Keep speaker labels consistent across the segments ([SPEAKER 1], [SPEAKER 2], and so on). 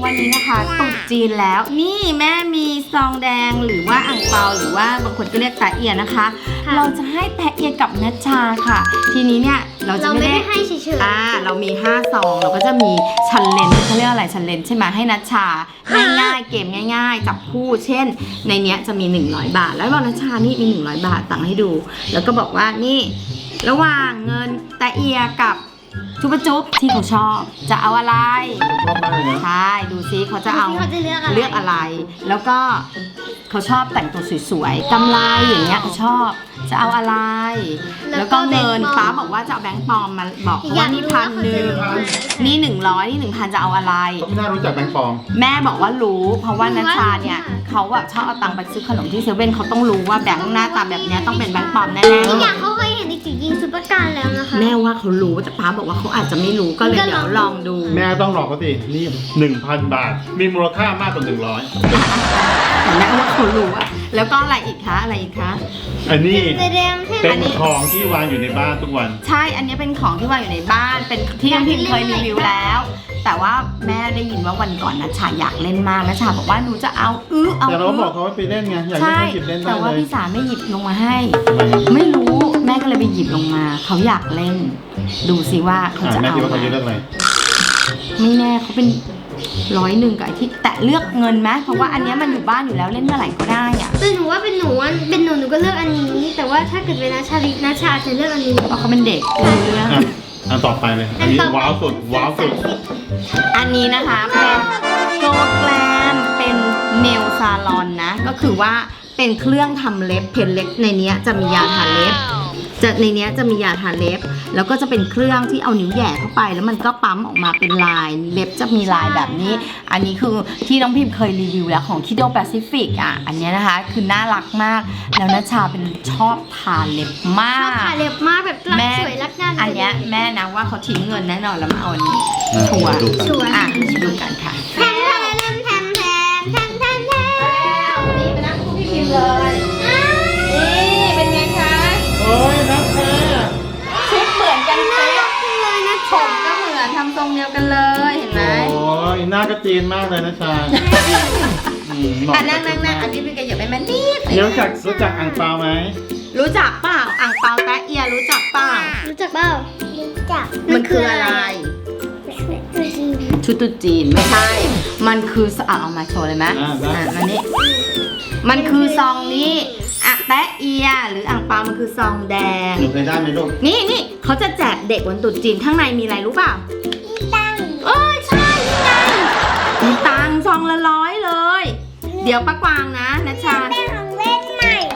[SPEAKER 1] วันนี้นะคะตรุษจีนแล้วนี่แม่มีซองแดงหรือว่าอั่งเปาหรือว่าบางคนก็เรียกแตะเอียนะคะ เราจะให้แตะเอียกับนัชชาค่ะทีนี้เนี่ยเราจะไม่ได้
[SPEAKER 2] ให้เฉย
[SPEAKER 1] เรามี5ซองเราก็จะมีชันเลนเขาเรียกอะไรชันเลนใช่ไหมให้นัชชาง่ายๆเกมง่ายๆจับคู่เช่นในเนี้ยจะมี100 บาทแล้วบอกนัชชานี่มี100 บาทตังให้ดูแล้วก็บอกว่านี่ระหว่างเงินแตะเอียกับชุบจุ๊บที่เขาชอบจะเอาอะไร
[SPEAKER 3] ชอบมากเลยนะ
[SPEAKER 1] ใช่ดูซิเขาจะเอาเลือกอะไรแล้วก็เขาชอบแต่งตัวสวยๆกำไรอย่างเงี้ยเขาชอบจะเอาอะไรแล้วก็เงินป้าบอกว่าจะเอาแบงค์ปลอมมาบอกว่านี่1,000นี่100นี่1,000จะเอาอะไร
[SPEAKER 3] ไม่น่ารู้จักแบงค์ปลอม
[SPEAKER 1] แม่บอกว่ารู้เพราะว่านัชชาเนี่ยเขาแบบชอบเอาตังค์ไปซื้อขนมที่เซเว่นเขาต้องรู้ว่าแบงค์หน้าตาแบบนี้ต้องเป็นแบงค์ปลอมแน่ๆ
[SPEAKER 2] อีกอย่างเขาเคยเห็นในจิ๋วซุปเปอร์การแล้วนะคะ
[SPEAKER 1] แม่ว่าเขารู้แต่ป้าบอกว่าเขาอาจจะไม่รู้ก็เลยเดี๋ยวลองดู
[SPEAKER 3] แม่ต้องหลอกเขาสินี่ 1,000 บาทมีมูลค่ามากกว่า100
[SPEAKER 1] แต่แม่ว่าเขารู้อะแล้วก็อะไรอีกคะอะไรอีกคะ
[SPEAKER 3] อันนี้
[SPEAKER 2] เป็น
[SPEAKER 3] ของที่วางอยู่ในบ้านทุกวัน
[SPEAKER 1] ใช่อันนี้เป็นของที่วางอยู่ในบ้านเป็นที่น้องพิมเคยรีวิวแล้วแต่ว่าแม่ได้ยินว่าวันก่อนนัชชาอยากเล่นมากนัชชาบอกว่าหนูจะเอา
[SPEAKER 3] แต่เราบอกเขาว่าไปเล่นไงอยากเล่นก็หยิบเล่นได้เลย
[SPEAKER 1] แต่ว่าพี่สาไม่หยิบลงมาให้ไม่รู้แม่ก็เลยไปหยิบลงมาเขาอยากเล่นดูสิว่าเขาจะเอาแม่
[SPEAKER 3] คิดว่าเขาจะเลือกอะไร
[SPEAKER 1] ไม่แน่เขาเป็น100กับไอ้ที่แตะเลือกเงินไหมเพราะว่าอันนี้มันอยู่บ้านอยู่แล้วเล่นเมื่อไหร่ก็ได้อะ
[SPEAKER 2] แต่หนูว่าเป็นหนูก็เลือกอันนี้แต่ว่าถ้าเกิดเป็นนัชชาจะเลือกอันนี้
[SPEAKER 1] เพราะเขาเป็นเด็กเรื่อง
[SPEAKER 3] อันต่อไปเลยอันนี้ว้าวสุด
[SPEAKER 1] อันนี้นะคะเป็นโกแกลมเป็นเนลซาลอนนะก็คือว่าเป็นเครื่องทำเล็บเพนเล็กในนี้จะมียาทาเล็บในนี้จะมียาทาเล็บแล้วก็จะเป็นเครื่องที่เอานิ้วแหย่เข้าไปแล้วมันก็ปั๊มออกมาเป็นลายเล็บจะมีลายแบบนี้อันนี้คือที่น้องพิมเคยรีวิวแล้วของ Kido Pacific อันนี้นะคะคือน่ารักมากแล้วนัชชาเป็นชอบทาเล็บมาก
[SPEAKER 2] ชอบทาเล็บมากแบบรักสวยรักงาม
[SPEAKER 1] อันนี้แม่นะว่าเขาทิ้งเงินแน่นอนแล้วมาเอาอันนี้ชัวร์ดูกันค่ะ
[SPEAKER 2] แทม
[SPEAKER 1] นี่มานั่งคู่พี่พิมเลยนี่เป็นไงคะ
[SPEAKER 3] โอ้ยนักแท้
[SPEAKER 1] ชุดเหมือนกันเป๊ะเลยนะผมก็เหมือนทำทรงเดียวกันเลยเห็นไหม
[SPEAKER 3] โอ้ยหน้ากระจีนมากเลยนะชา
[SPEAKER 1] นั่งอันนี้เป็นกระหยับไปมันนิด
[SPEAKER 3] รู้จักอ่างเปาไหม
[SPEAKER 1] รู้จักเปล่าอ่างเปาแตะเอียรู้จักเปล่ามันคืออะไรชุดตุ๊จีนไม่ใช่มันคือเอามาโชว์เลยไหมอันนี้มันคือซองนี้แตะเอียหรืออ่างเปามันคือซองแดง
[SPEAKER 3] หนูเคยได้ไหมลูก
[SPEAKER 1] นี่เขาจะแจกเด็กวันตรุษจีนข้างในมีอะไรรู้เปล่า
[SPEAKER 2] มีตังค์
[SPEAKER 1] ใช่นี่ไงมีตังค์ซองละ100เลยเดี๋ยวป้ากวางนะนัชชา
[SPEAKER 2] ได้ของเล่นใหม่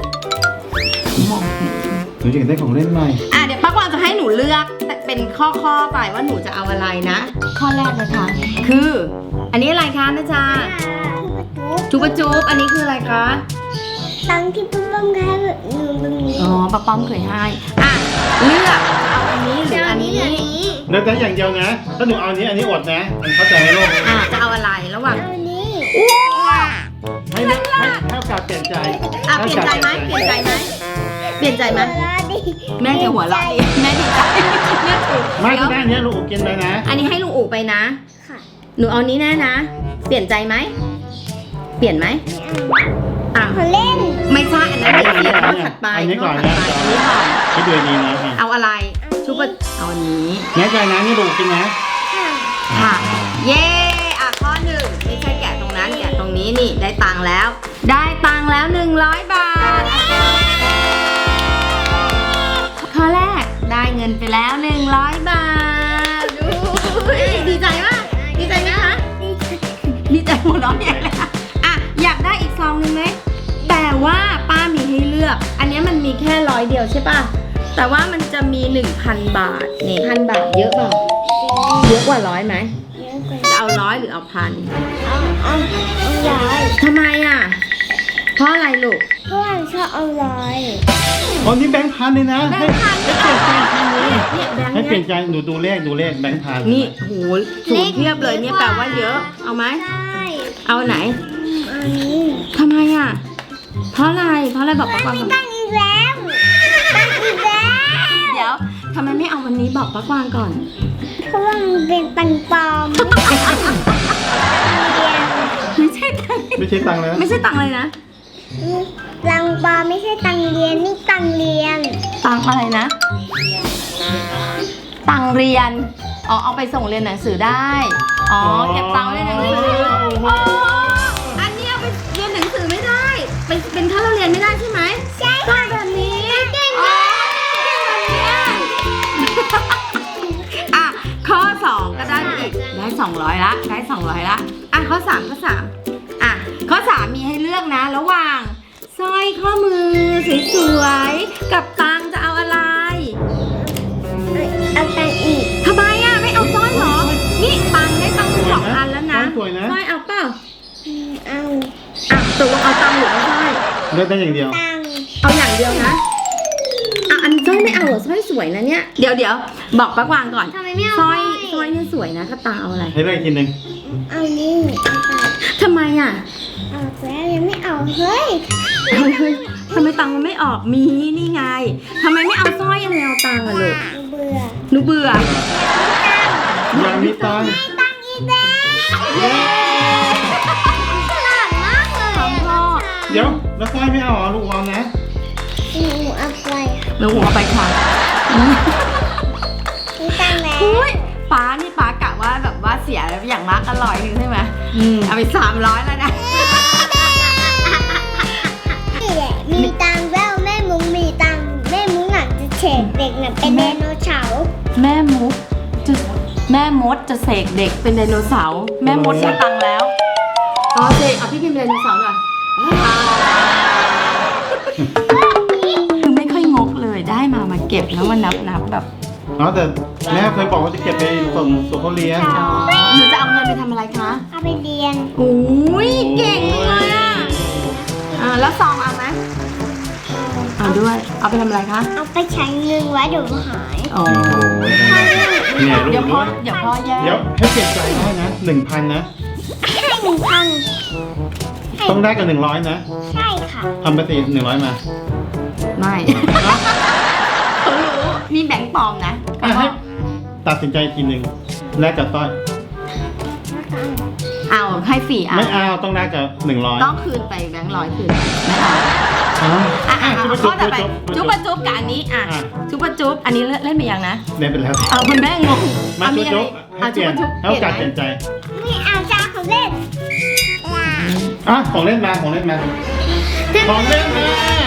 [SPEAKER 3] หนูอยากได้ของเล่นใหม่
[SPEAKER 1] เดี๋ยวป้ากวางจะให้หนูเลือกเป็นข้อไปว่าหนูจะเอาอะไรนะข้อแรกนะคะคืออันนี้อะไรคะนัชชาจุ๊บอันนี้คืออะไรคะ
[SPEAKER 2] ตังที่ป้าป้อมให้หนูตรงนี้
[SPEAKER 1] ป้าป้อมเคยให้เลือกเอาอันนี้หรืออันนี้
[SPEAKER 3] เลือกได้อย่างเดียวนะถ้าหนูเอาอันนี้อดนะมันเข้าใจไหมลูก
[SPEAKER 1] จะเอาอะไรระหว่าง
[SPEAKER 2] อันนี้
[SPEAKER 3] ให้เลือกให้โอกาสเปลี่ยนใจ
[SPEAKER 1] เปลี่ยนใจไหมแม่จะหัวเราะดิแม่ดีใจ
[SPEAKER 3] ไม่ก็ได้เนี้ยลุงอุ๋กินไปนะ
[SPEAKER 1] อันนี้ให้ลุงอุ๋ไปนะหนูเอานี้แน่นะเปลี่ยนใจไหมเปลี่ยนไหม
[SPEAKER 2] เล่น
[SPEAKER 1] ไม่ใช่อันนั้นเดี๋ยวข้อถัดไป
[SPEAKER 3] อันนี้ก่อนนะคิดดูดีนะ
[SPEAKER 1] เอาอะไรชุบเอาอันนี้
[SPEAKER 3] แน่ใจนะนี่ลุงกินนะ
[SPEAKER 1] ค่ะเย้ข้อหนึ่งไม่ใช่แกะตรงนั้นแกะตรงนี้นี่ได้ตังค์แล้ว100 บาทข้อแรกได้เงินไปแล้ว100 บาทดีใจมากดีใจไหมคะดีใจหัวเราะใหญ่เลยอยากได้อีกซองนึงไหมแต่ว่าป้ามีให้เลือกอันนี้มันมีแค่100 เดียวใช่ป่ะแต่ว่ามันจะมี 1,000 บาทนี่1,000 บาทเยอะเปล่าเยอะกว่า100ไหมจะเอา100หรือเอา1,000
[SPEAKER 2] เอา100
[SPEAKER 1] ทำไมเพราะอะไรลูก
[SPEAKER 2] เพราะว่าชอบเอา100
[SPEAKER 3] อ๋อนี่แบงค์พันเลยนะให้เปลี่ยนใจเลยให้เปลี่ยนใจหนูดูเลขแบงค์พัน
[SPEAKER 1] นี่โหสูงเทียบเลยเนี่ยแปลว่าเยอะเอาไหมเอาไหนทำไมเพราะอะไรบอกป้ากวางก่อน
[SPEAKER 2] ตั้งอีกแล้ว
[SPEAKER 1] เดี๋ยวทำไมไม่เอาวันนี้บอกป้ากวางก่อน
[SPEAKER 2] เพราะว่ามันเป็นตังปลอม
[SPEAKER 3] ไม่ใช่ตังค์เลยนะ
[SPEAKER 1] ไม่ใช่ตังค์เลยนะ
[SPEAKER 2] ตังปลาไม่ใช่ตังเรียนนี่ตังเรียน
[SPEAKER 1] ตังค์อะไรนะ ตังค์เรียน อ๋อ เอาไปส่งเรียนหนังสือได้ อ๋อ เก็บตังค์ไว้ในหนังสืออ๋ออันนี้เอาไปเรียนหนังสือไม่ได้ เป็นค่าเราเรียนไม่ได้ใช่ไหม
[SPEAKER 2] ใช่
[SPEAKER 1] ก็แบบนี้อ๋ออ่ะ ข้อ 2 ก็ได้ไปอีก ได้ 200 ละ ได้ 200 ละ อ่ะ ข้อ 3 ข้อ 3 อ่ะ ข้อ 3 มีให้เลือกนะ ระหว่างสร้อยข้อมือสวยๆ กับตังค์จะเอาอะไร
[SPEAKER 2] เอาตังอีก
[SPEAKER 1] ทำไมอ่ะ ไม่เอาสร้อยเหรอ นี่ตังค์ได้ตังค์สองอันแล้วนะ
[SPEAKER 3] สวยนะ
[SPEAKER 1] สร้อยเอาเปล่า
[SPEAKER 2] เอา
[SPEAKER 1] อ่ะตกลงเอาตังค์หรือเอาสร้อย
[SPEAKER 3] เลือกได้อย่างเดียว
[SPEAKER 2] ตัง
[SPEAKER 1] เอาอย่างเดียวนะ อ่ะ อันสร้อยไม่เอาเหรอสร้อยสวยนะเนี่ย เดี๋ยวบอกป้ากวางก่อน
[SPEAKER 2] ทำไมไม่เอา
[SPEAKER 1] สร้อยเนี่ยสวยนะถ้าตังค์เอาอะไร
[SPEAKER 3] ให้เลือกอีกทีหนึ่ง
[SPEAKER 2] เอานี่เอาไป
[SPEAKER 1] ทำไมอ่ะ
[SPEAKER 2] เอาแล้วยังไม่เอาเฮ้ย
[SPEAKER 1] เฮ้ยทำไมตังค์มันไม่ออก มีนี่ไงทำไมไม่เอาสร้อยอะไรเอาตังค์อะลูก
[SPEAKER 2] เบื่อ
[SPEAKER 1] หนูเบื่อ
[SPEAKER 3] ยังมีตังค์
[SPEAKER 2] ตังอีกแล้ว
[SPEAKER 1] เย้
[SPEAKER 2] ฉลาดมากเลย
[SPEAKER 1] ของพ่อ
[SPEAKER 3] เดี๋ยวแล้วสร้อยไม่เอาเหรอลูกเอานะ
[SPEAKER 2] หนูเอาไป
[SPEAKER 1] หนูหัวไปค่ะ
[SPEAKER 2] มีตังแล้ว
[SPEAKER 1] อุ้ยป้านี่ป้ากะว่าแบบว่าเสียอย่างมากอร่อยหนึ่งใช่ไหมเอาไป300แล้วนะ
[SPEAKER 2] นี่แหละมีตังแล้วแม่มุ้งมีตังแม่มุ้งอยากจะเฉดเด็กน่ะเป็นไดโนเสาร์
[SPEAKER 1] แม่มดจะเสกเด็กเป็นไดโนเสาร์แม่มดได้ตังค์แล้วอ๋อเสกเอาพี่พิมพ์ไดโนเสาร์หน่อยคือไม่ค่อยงกเลยได้มาเก็บแล้วมานับแบบ
[SPEAKER 3] อ๋อแต่แม่เคยบอกว่าจะเก็บไปส่งเขาเรียน
[SPEAKER 1] อ๋อหนูจะเอาเงินไปทำอะไรคะ
[SPEAKER 2] เอาไปเรียน
[SPEAKER 1] อุ้ยเก่งเลยอ่ะแล้วซองเอาไหมเอาด้วยเอาไปทำอะไรคะ
[SPEAKER 2] เอาไปใช้เงินไว้เดี๋ยวหาย
[SPEAKER 1] อ๋อ
[SPEAKER 3] โอ้ยเนี่ยลู
[SPEAKER 1] เดี๋ยว
[SPEAKER 3] ก
[SPEAKER 1] พ่อ
[SPEAKER 3] ด้วย
[SPEAKER 1] เดี๋ยวพ่อแย่
[SPEAKER 3] เดี๋ยวให้เปลี่ยนใจได้นะ 1,000 นะ
[SPEAKER 2] ให้1,000
[SPEAKER 3] ต้องได้กับ100 นะ
[SPEAKER 2] ใช่ค่ะ
[SPEAKER 3] ทำไปสิ100 มา
[SPEAKER 1] ไม่เขารู้มีแบงค์ปลอมนะ
[SPEAKER 3] อ่ะให้ตัดสินใจอีกทีหนึ่งแลกกับสร้อย
[SPEAKER 1] เอาให้ฟรีเอา
[SPEAKER 3] ไม่เอาต้องแลกกับ100
[SPEAKER 1] ต้องคืนไปแบงค์100คืนไม่เอา
[SPEAKER 3] อ๋อ
[SPEAKER 1] อ่ะ
[SPEAKER 3] จุ๊บ
[SPEAKER 1] ข้อต่อไป
[SPEAKER 3] จุ๊
[SPEAKER 1] จุ๊
[SPEAKER 3] บบ
[SPEAKER 1] จุ๊บกับอันนี้อ่ะ
[SPEAKER 3] อ่ะ
[SPEAKER 1] จุ๊บจุ๊บอันนี้เล่นไปยังนะ
[SPEAKER 3] เล่นไปแล้ว
[SPEAKER 1] เอาคุณแม่งง
[SPEAKER 3] มา
[SPEAKER 1] เอามี
[SPEAKER 3] จุ๊บ
[SPEAKER 1] อะไร
[SPEAKER 3] จุ๊บให้
[SPEAKER 1] เอา
[SPEAKER 3] เปลี่ยน
[SPEAKER 1] จุ๊บ
[SPEAKER 3] ให้โอกาสเปลี่ยนใจ
[SPEAKER 2] ไม่เอาจ้าของเล่น
[SPEAKER 3] อ่ะของเล่นมาของเล่นมาของเล่นมา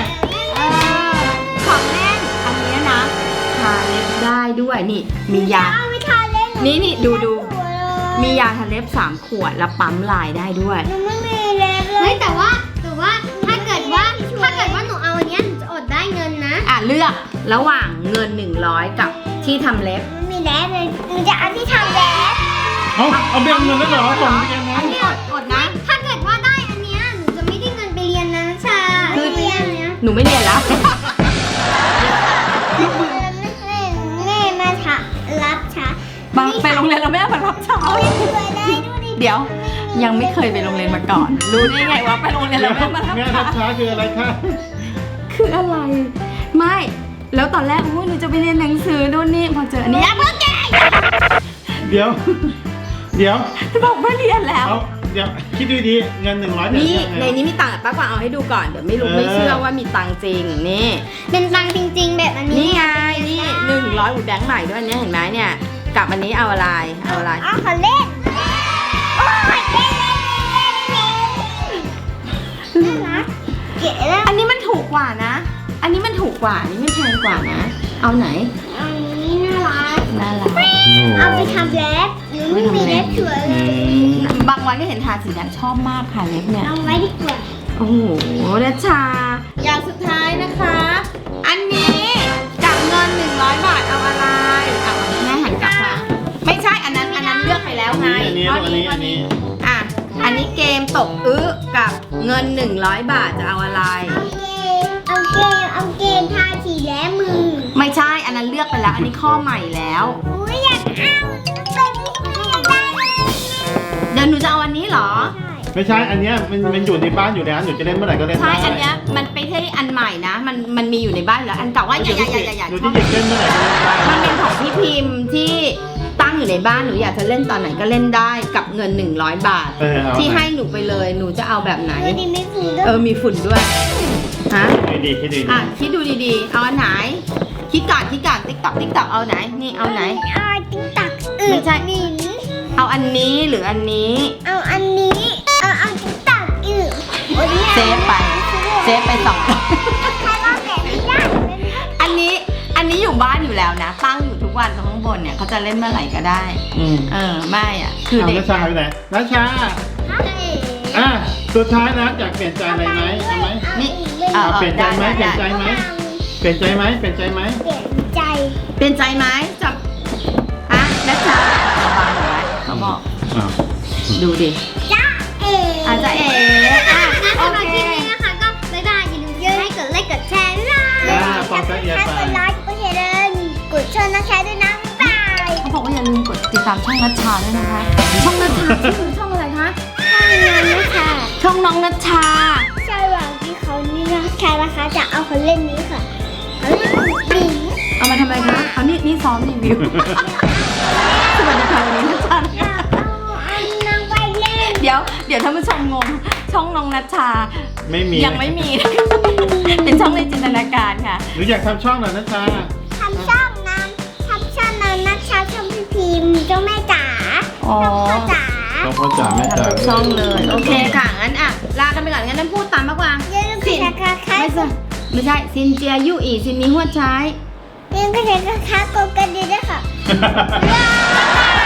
[SPEAKER 1] ของเล่นอันเนี้ยนะทาเล็บได้ด้วยนี่มียา
[SPEAKER 2] เอาไปทาเล่น
[SPEAKER 1] นี่ดูมียาทาเล็บ3 ขวดแล้วปั๊มลายได้ด้วย
[SPEAKER 2] หนูไม่มีเล็บเลยเฮ้ยแต่ว่าถ้าเกิดว่าหนูเอาอันเนี้ยหนูจะอดได้เงินนะ
[SPEAKER 1] อ่ะเลือกระหว่างเงิน100กับที่ทำเล็บ
[SPEAKER 2] ไม่มีเล็บเลยหนูจะเอาที่ทำเล็บ
[SPEAKER 3] เอาเบี้ยเงินแล้วเหรอส่งเบี้ยเงิน
[SPEAKER 1] นี่อดนะ
[SPEAKER 2] ถ้าเกิดว่าได้อันเนี้ยหนูจะไม่ได้เงินไปเรียนนะชา
[SPEAKER 1] คือ
[SPEAKER 2] ไม่เรียนเนี้ย
[SPEAKER 1] หนูไม่เรียนแล้ว
[SPEAKER 2] แม่มาถารับช้า
[SPEAKER 1] ไปโรงเรียนเราไม่เอามารับเช้า
[SPEAKER 2] เอาให้ช่วยได้ดูดิ
[SPEAKER 1] เดี๋ยวยังไม่เคยไปโรงเรียนมาก่อน รู้ได้ไงว่าไปโรงเรียนเราไม่เอามารับ
[SPEAKER 3] แม่
[SPEAKER 1] เช้า
[SPEAKER 3] รับช้าคืออะไรคะ
[SPEAKER 1] คืออะไร ไม่ แล้วตอนแรกอุ้ยหนูจะไปเรียนหนังสือนู่นนี่พอเจออันนี้อย่าเพิ่งแกะ
[SPEAKER 3] เดี๋ยว
[SPEAKER 1] บอกว่าเรียนแล้ว
[SPEAKER 3] เอาเดี๋ยวคิดดูดีเงิน100
[SPEAKER 1] นี่ในนี้มีตังค์ป้ากวางเอาให้ดูก่อนเดี๋ยวไม่รู้ไม่เชื่อว่ามีตังค์จริงนี่
[SPEAKER 2] เป็นตังค์จริงๆแบบอันนี้
[SPEAKER 1] นี่ไงนี่100หูแบงค์ใหม่ด้วยเนี่ยเห็นไหมเนี่ยกับอันนี้เอาอะไรเอาอะไร
[SPEAKER 2] อ๋อขอเล่นโอ้ยเล่นน่ารักเก๋แล้ว
[SPEAKER 1] อันนี้มันถูกกว่านะ อันนี้มันถูกกว่าอันนี้ไม่แพงกว่านะ เอาไหน
[SPEAKER 2] อันนี้น่ารัก
[SPEAKER 1] น่ารัก
[SPEAKER 2] เอาไปทำเล็บหรือไม่มีเล็บสวยเลย
[SPEAKER 1] บางวันก็เห็นทาสีแดงชอบมากค่ะเล็บเนี่ย
[SPEAKER 2] เอาไว้ดีกว่า
[SPEAKER 1] โอ้โหนัชชา อย่างสุดท้ายนะคะ อันนี้กับเงิน100 บาทเอาอะไรเอาแม่หันกลับมาไม่ใช่อันนั้นเลือกไปแล้วไง
[SPEAKER 3] อันนี้
[SPEAKER 1] ข้
[SPEAKER 3] อันนี้
[SPEAKER 1] ข้
[SPEAKER 3] อันนี้
[SPEAKER 1] อ่ะอันนี้เกมตกกับเงิน100 บาทจะเอาอะไร
[SPEAKER 2] เอาเกมทาสีแล้มือ
[SPEAKER 1] ไม่ใช่อันนั้นเลือกไปแล้ว อันนี้ข้อใหม่แล้ว
[SPEAKER 2] อุ้ยอยากเอาเป็นที่อยากได้เลย
[SPEAKER 1] เดี๋ยวหนูจะเอาอันนี้เหรอ
[SPEAKER 3] ไม่ใช่อันเนี้ยมันอยู่ในบ้านอยู่แล้วหนูจะเล่นเมื่อไหร่ก็เล่น
[SPEAKER 1] ใช่
[SPEAKER 3] ได้
[SPEAKER 1] อันเนี้ยมันไม่ใช่อันใหม่นะ มันมีอยู่ในบ้านอยู่แล้ว อันเก่าว่าอย่า
[SPEAKER 3] หนูจะหยิบเล่นเมื่อไหร่ก็เล่นได้
[SPEAKER 1] มันเป็นของพี่พิมพ์ที่ตั้งตั้งอยู่ในบ้านหนูอยากจะเล่นตอนไหนก็เล่นได้กับเงิน100 บาท
[SPEAKER 3] เอา
[SPEAKER 1] ที่ให้หนูไปเลยหนูจะเอาแบบไหน
[SPEAKER 2] ดูดิไม่ฟูด้วย
[SPEAKER 1] มีฝุ่นด้วยฮะ
[SPEAKER 3] ให้ดีให้ดี
[SPEAKER 1] คิดดูดีๆเอาอันไหนคิดก่อนติ๊กตอกเอาไหนนี่เอาไหน
[SPEAKER 2] เอาติ๊กตัก
[SPEAKER 1] ไม่ใช่
[SPEAKER 2] นิน
[SPEAKER 1] เอาอันนี้หรืออันนี้
[SPEAKER 2] เอาอันนี้เอาติ๊กตักโอ้ยนี่ย
[SPEAKER 1] เซฟไป2
[SPEAKER 2] ใครว่าแบบนี้ได้
[SPEAKER 1] อันนี้อยู่บ้านอยู่แล้วนะ ตั้งอยู่ทุกวันตรงข้างบนเนี่ยเขาจะเล่นเมื่อไหร่ก็ได้ ไม่อ่ะ คือเด็ก
[SPEAKER 3] นัชชาไปไหนนัชชาสุดท้ายนะอยากเปลี่ยนใจอะไรไหมเอาไหม
[SPEAKER 1] นี่
[SPEAKER 3] เปลี่ยนใจไหมเปลี่ยนใจไหมเปลี่ยนใจไหมเปลี่ยนใจไหม
[SPEAKER 2] เปลี่ยนใจ
[SPEAKER 1] เปลี่ยนใจไหมจับนัชชาระวังไว้เขาบอก ดูดิ
[SPEAKER 2] จ้าเอ๋
[SPEAKER 1] อาจจะโอ
[SPEAKER 2] สำหรับ
[SPEAKER 1] เค
[SPEAKER 2] คลิปนี้นะคะก็บ๊ายบายอย่าลืมให้กดไลค์กดแชร์ด้วยนะ
[SPEAKER 3] ปองกันเอีย
[SPEAKER 2] ถ้า
[SPEAKER 3] ไป
[SPEAKER 2] กดไลค์กดแชร์กดชวนนะคะด้วยนะบ๊ายบาย
[SPEAKER 1] เขาบอกว่าอย่าลืมกดติดตามช่องนัชชาด้วยนะคะ ช่องนัชชาชื่อช่องอะไรคะ
[SPEAKER 2] ถ้ามีงานนะคะ
[SPEAKER 1] ช่องน้องนัชชา
[SPEAKER 2] ใช่หวังที่เขานี่นะคะจะเอาคนเล่นนี้ค่ะเขาเล่นบิง
[SPEAKER 1] เอามาทำอะไรคะเอานี่ซ้อมรีวิว สวัสดีค่ะวันนี้นัชชา
[SPEAKER 2] เอานางไปเล่น
[SPEAKER 1] เดี๋ยวท่านผู้ชมงงช่องน้องนัชชา
[SPEAKER 3] ไม่มี
[SPEAKER 1] ยังไม่มี เป็นช่องในจินตนาการค่ะ
[SPEAKER 3] หรืออยากทำช่องเหรอนัชชา
[SPEAKER 2] ทำช่องนั้นนักชาช่องพี่พิมพ์เจ้าแม่จ๋า
[SPEAKER 1] อ๋อ
[SPEAKER 2] พ่อจ๋า
[SPEAKER 3] ต้องพ่อจ๋าแม่จ๋า
[SPEAKER 1] ช่องเลย โอเคค่ะ งั้นลากันไปก่อนงั้นนั่นพูดตามมากกว่า
[SPEAKER 2] อย่าลืมกดนะคะ
[SPEAKER 1] ไม่ใช่ซินเจียยู่อีซินนี้หัวใช้
[SPEAKER 2] อย่าลืมกดนะคะกดกระดิ่งด้วยค่ะ
[SPEAKER 3] บ๊ายบาย